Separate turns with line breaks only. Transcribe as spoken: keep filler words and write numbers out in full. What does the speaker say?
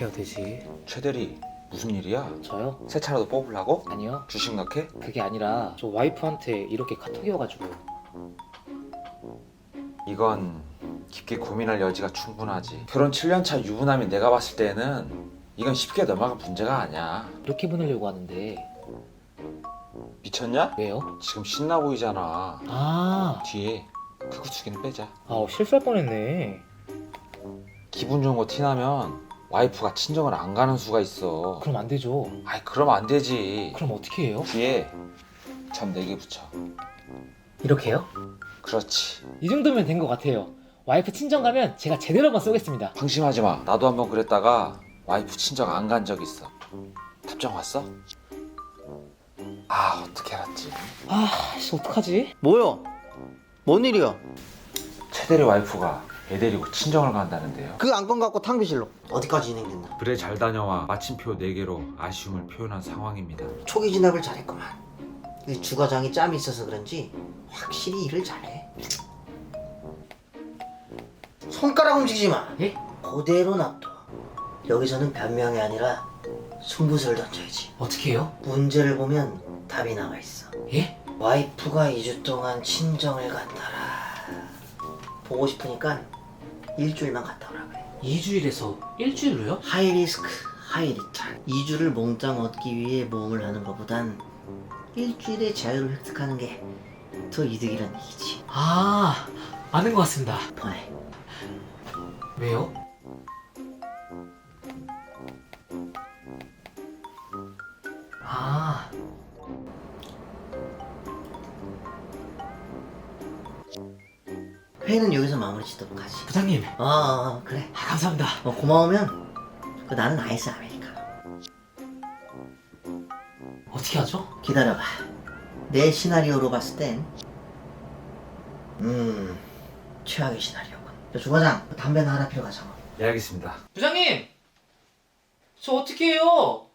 어떻게 해야 되지?
최대리 무슨 일이야?
저요?
새 차라도 뽑으려고?
아니요.
주식 넣게?
그게 아니라 저 와이프한테 이렇게 카톡이 와가지고요.
이건 깊게 고민할 여지가 충분하지. 결혼 칠 년 차 유부남인 내가 봤을 때는 이건 쉽게 넘어갈 문제가 아니야.
이렇게 보내려고 하는데
미쳤냐?
왜요?
지금 신나 보이잖아.
아,
뒤에 크고 두 개는 빼자.
아 실수할 뻔했네.
기분 좋은 거 티나면 와이프가 친정을 안 가는 수가 있어.
그럼 안 되죠.
아이 그러면 안 되지.
그럼 어떻게 해요?
뒤에 점 네 개 붙여.
이렇게요?
그렇지.
이 정도면 된 것 같아요. 와이프 친정 가면 제가 제대로 한번 쏘겠습니다.
방심하지 마. 나도 한번 그랬다가 와이프 친정 안 간 적 있어. 답장 왔어? 아 어떻게 알았지?
아, 씨 어떡하지?
뭐요? 뭔 일이야?
최대리 와이프가 애 데리고 친정을 간다는데요.
그 안건 갖고 탕비실로 어디까지 진행됐나?
그래 잘 다녀와. 마침표 네 개로 아쉬움을 표현한 상황입니다.
초기 진압을 잘했구만. 이 주과장이 짬이 있어서 그런지 확실히 일을 잘해. 손가락 움직이지 마.
예?
그대로 놔둬. 여기서는 변명이 아니라 승부수를 던져야지.
어떻게 해요?
문제를 보면 답이 나와 있어.
예?
와이프가 이 주 동안 친정을 간다라. 보고 싶으니까 일주일만 갔다 오라 그래.
이 주일에서 일주일로요?
하이 리스크, 하이 리턴. 이 주를 몽땅 얻기 위해 모험을 하는 것보단 일주일의 자유를 획득하는 게 더 이득이란 얘기지.
아, 아는 것 같습니다.
보내.
왜요? 아,
회의는 여기서 마무리 짓도록 하지.
부장님.
어, 어, 어 그래.
아, 감사합니다.
어, 고마우면 그 나는 아이스 아메리카노.
어떻게 하죠?
기다려봐. 내 시나리오로 봤을 땐 음... 최악의 시나리오군. 저 주과장, 담배나 하나 필요하잖아.
예 알겠습니다.
부장님! 저 어떻게 해요?